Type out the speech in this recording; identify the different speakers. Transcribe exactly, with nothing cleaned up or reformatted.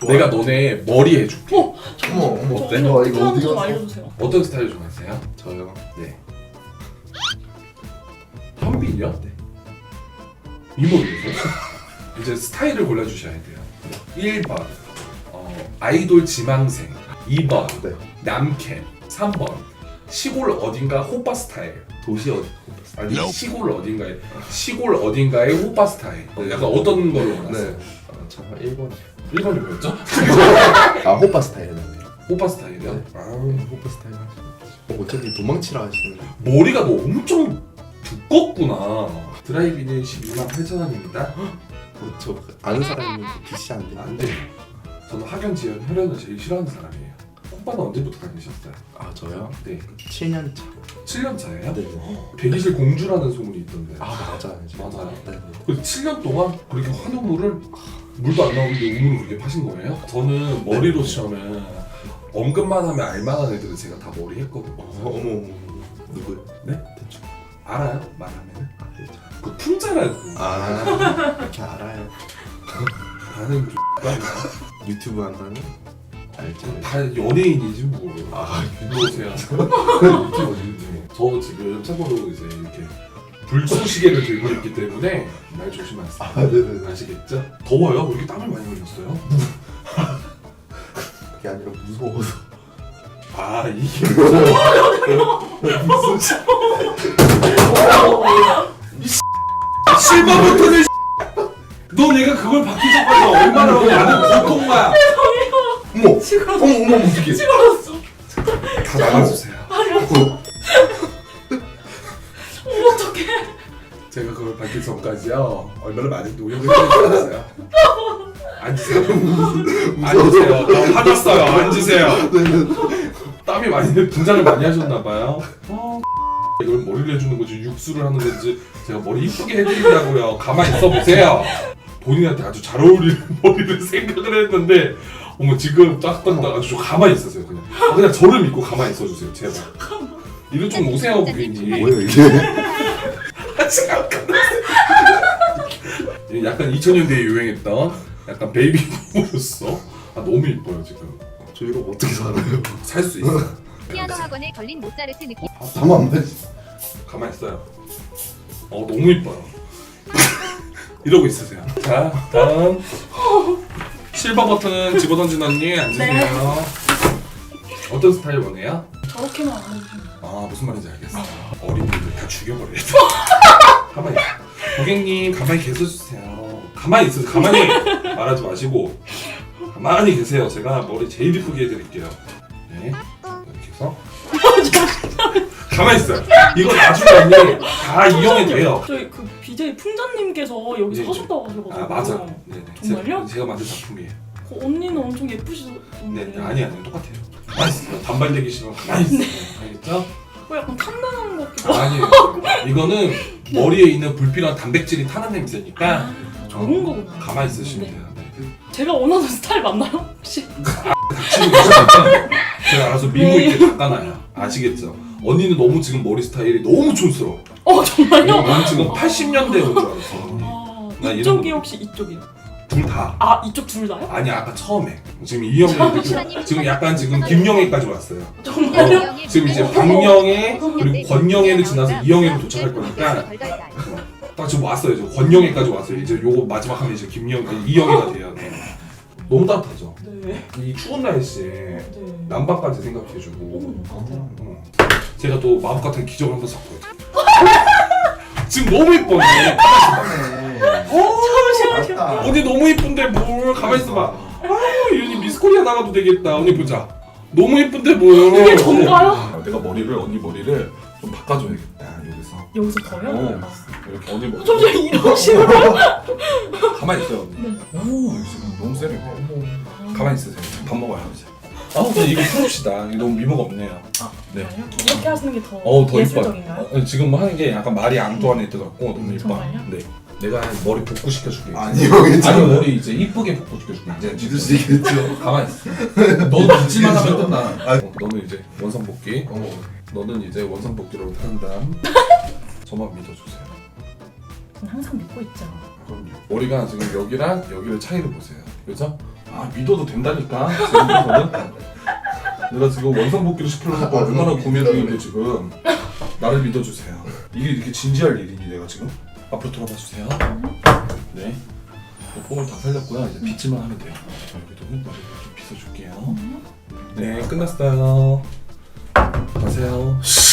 Speaker 1: 내가 너네 머리 해줄게.
Speaker 2: 어?
Speaker 3: 어머 어머
Speaker 1: 어때?
Speaker 2: 저
Speaker 3: 와,
Speaker 2: 어떻게
Speaker 3: 이거
Speaker 2: 하는지
Speaker 3: 어디
Speaker 2: 좀
Speaker 3: 갔어?
Speaker 2: 알려주세요.
Speaker 1: 어떤 스타일 좋아하세요?
Speaker 3: 저요?
Speaker 1: 네. 현빈이요? 네. 이모님이요? 이제 스타일을 골라주셔야 돼요. 일 번 어, 아이돌 지망생, 이 번
Speaker 3: 네.
Speaker 1: 남캠, 삼 번 시골 어딘가 호빠 스타일.
Speaker 3: 도시 어디?
Speaker 1: 아니 시골 어딘가에 시골 어딘가의 호빠 스타일. 약간 어떤 걸로 원하세요?
Speaker 3: 네. 아, 저 일 번이요.
Speaker 1: 일 번이 뭐였죠?
Speaker 3: 아 호빠 스타일이네.
Speaker 1: 호빠 스타일이요?
Speaker 3: 네. 아 호빠 스타일 하시는 어, 어차피 도망치라 하시는 거.
Speaker 1: 머리가 너 엄청 두껍구나. 드라이비는 십이만 팔천 원입니다.
Speaker 3: 어, 저 아는 사람이 비시 안 돼.
Speaker 1: 안 돼요. 저는 학연, 지연, 혈연을 제일 싫어하는 사람이에요. 오빠는 언제부터 다니셨어요?
Speaker 3: 아 저요?
Speaker 1: 네.
Speaker 3: 칠 년 차.
Speaker 1: 칠 년 차예요?
Speaker 3: 네.
Speaker 1: 대기실 공주라는 소문이 있던데.
Speaker 3: 아 맞아요.
Speaker 1: 맞아요?
Speaker 3: 네.
Speaker 1: 그 칠 년 동안 그렇게 환우물을 물도 안 나오는데 우물을 그렇게 파신 거예요? 저는 머리로 치면 언급만 하면 알만한 애들은 제가 다 머리 했거든요.
Speaker 3: 어, 어머 어머 누구요?
Speaker 1: 네?
Speaker 3: 대충.
Speaker 1: 알아요? 말하면?
Speaker 3: 아 대충.
Speaker 1: 그 품자라고.
Speaker 3: 아 이렇게 알아요.
Speaker 1: 나는 X가
Speaker 3: 유튜브 한다는 알죠.
Speaker 1: 다 연예인이지 뭐.
Speaker 3: 아
Speaker 1: 보세요. 유튜브 유튜브. 저 지금 참고로 이제 이렇게 불쏘시개를 들고 있기 때문에 말 조심하세요.
Speaker 3: 아 네네.
Speaker 1: 아시겠죠? 더워요? 왜 이렇게 땀을 많이 흘렸어요?
Speaker 3: 그게 아니라 무서워서.
Speaker 1: 아 이게 실버 버튼을 너 내가 그걸 받기 전까지 얼마나 많은 고통과
Speaker 3: 어머
Speaker 2: 지금
Speaker 3: 어머 어머 어떻게?
Speaker 2: 찍어놨어.
Speaker 1: 다 나가주세요.
Speaker 3: 어,
Speaker 2: 어떡해.
Speaker 1: 제가 그걸 받기 전까지요 얼마나 많은 노력을 해주셨어요. 앉으세요. 앉으세요. 저 화났어요. 앉으세요. 땀이 많이 분장을 많이 하셨나봐요. 어, 이걸 머리를 해주는 거지 육수를 하는 건지 제가 머리 이쁘게 해드리려고요. 가만히 있어 보세요. 본인한테 아주 잘 어울리는 머리를 생각을 했는데 어머 지금 딱딱딱 아주 좀 가만히 있으세요. 그냥 아, 그냥 저를 믿고 가만히 있어주세요. 제발. 이리 좀 오세요 고객님.
Speaker 3: 뭐예요 이게?
Speaker 1: 아직 안 끝났어요. 약간 이천 년대에 유행했던 약간 베이비 부모였어. 아 너무 이뻐요 지금.
Speaker 3: 저 이거 어떻게 살아요?
Speaker 1: 살 수 있어.
Speaker 4: 피아노 학원에 걸린 모차르트 느낌.
Speaker 3: 잠깐만.
Speaker 1: 가만히 있어요. 어 너무 이뻐요. 이러고 있으세요. 자 다음 실버 버튼은 집어던진 언니 앉으세요.
Speaker 2: 네.
Speaker 1: 어떤 스타일 원해요?
Speaker 2: 저렇게만 안 해주면.
Speaker 1: 아 무슨 말인지 알겠어. 어린이들 다 죽여버려야죠. 가만히 있어. 고객님 가만히 계셔주세요. 가만히 있으세요. 가만히 말하지 마시고 가만히 계세요. 제가 머리 제일 이쁘게 해드릴게요. 네 이렇게 해서 가만히 있어요. 이거 나중에 언니 다 이용이 돼요.
Speaker 2: 저희 그 비제이 풍자님께서 여기서
Speaker 1: 네,
Speaker 2: 하셨다고 하셔가지고.
Speaker 1: 아 맞아. 네네.
Speaker 2: 정말요?
Speaker 1: 제가, 제가 만든 작품이에요.
Speaker 2: 그 언니는 엄청 예쁘시던데.
Speaker 1: 네, 네 아니 아니 똑같아요. 가만히 있어요. 단발되기 싫으면 가만히 있어요. 알겠죠?
Speaker 2: 어, 약간 탐나는 것 같기도 하고.
Speaker 1: 아니에요. 이거는 머리에 있는 불필요한 단백질이 타는 냄새니까
Speaker 2: 아, 좋은 거구나.
Speaker 1: 가만히 있으시면
Speaker 2: 네.
Speaker 1: 돼요. 네.
Speaker 2: 제가 원하는 스타일 맞나요? 혹시?
Speaker 1: 닥치고 계시니까 제가 알아서 미모 있게 닦아놔요. 아시겠죠? 언니는 너무 지금 머리 스타일이 너무 촌스러워.
Speaker 2: 어 정말요?
Speaker 1: 난 지금 팔십 년대 온 줄 알았어.
Speaker 2: 아,
Speaker 1: 나
Speaker 2: 이쪽이
Speaker 1: 이런-
Speaker 2: 혹시 이쪽이요?
Speaker 1: 둘 다.
Speaker 2: 아 이쪽 둘 다요?
Speaker 1: 아니 아까 처음에 지금 이영애 지금, 지금 약간 지금 김영애까지 왔어요.
Speaker 2: 정말요?
Speaker 1: 어, 지금 이제 박영애 그리고 권영애를 지나서 이영애로 도착할 거니까 딱 지금 왔어요. 지금 권영애까지 왔어요. 이제 요거 마지막 하면 이제 김영 이영애가 돼요. 네. 너무 따뜻하죠.
Speaker 2: 네.
Speaker 1: 이 추운 날씨에
Speaker 2: 네.
Speaker 1: 난방까지 생각해주고
Speaker 2: 어, 같아요.
Speaker 1: 어. 제가 또 마법 같은 기적을 한번 샀거든요. 지금 너무 이뻐.
Speaker 2: 잠시만요.
Speaker 1: 언니 너무 이쁜데 뭘 가만히 있어봐. 아유 이 언니 미스코리아 나가도 되겠다. 언니 보자. 너무 이쁜데 뭘.
Speaker 2: 이게 전가요?
Speaker 1: 아, 내가 머리를 언니 머리를 좀 바꿔줘야겠다 여기서.
Speaker 2: 여기서 더요?
Speaker 1: 어. 이렇게 언니 머리.
Speaker 2: 잠시만 이런 식으로.
Speaker 1: 가만히 있어요 언니.
Speaker 2: 네.
Speaker 1: 오 지금 너무 세네. 가만히 있으세요. 밥 먹어요 이제. 아 근데 이거 풀읍시다. 이거 너무 미모가 없네요.
Speaker 2: 아,
Speaker 1: 네.
Speaker 2: 정말요? 이렇게 하시는 게 더
Speaker 1: 어우 더 이뻐요.
Speaker 2: 예술적인가요?
Speaker 1: 어, 지금 하는 게 약간 말이 앙뚜아네트 같고 너무 이뻐.
Speaker 2: 정말요?
Speaker 1: 네. 내가 머리 복구 시켜줄게.
Speaker 3: 아니요
Speaker 1: 아니
Speaker 3: 괜찮아요.
Speaker 1: 머리 이제 이쁘게 복구 시켜줄게. 이제
Speaker 3: 믿으시겠죠?
Speaker 1: 가만히 있어. 너도 믿지만 하면 끝나.
Speaker 3: 아.
Speaker 1: 어, 너는 이제 원상 복귀.
Speaker 3: 어머.
Speaker 1: 너는 이제 원상 복귀로 한담. 저만 믿어주세요.
Speaker 2: 저는 항상 믿고 있죠.
Speaker 1: 그럼요. 머리가 지금 여기랑 여기를 차이를 보세요. 그죠? 아 믿어도 된다니까. 지금 내가 지금 원상복귀를 시키려고 얼마나 고민 중인데 지금 나를 믿어주세요. 이게 이렇게 진지할 일이니 내가 지금 앞으로 돌아봐 주세요. 네. 뽕을 다 살렸고요. 이제 빗질만 하면 돼요. 자, 여기도 흙바닥 좀 빗어줄게요. 네, 끝났어요. 가세요.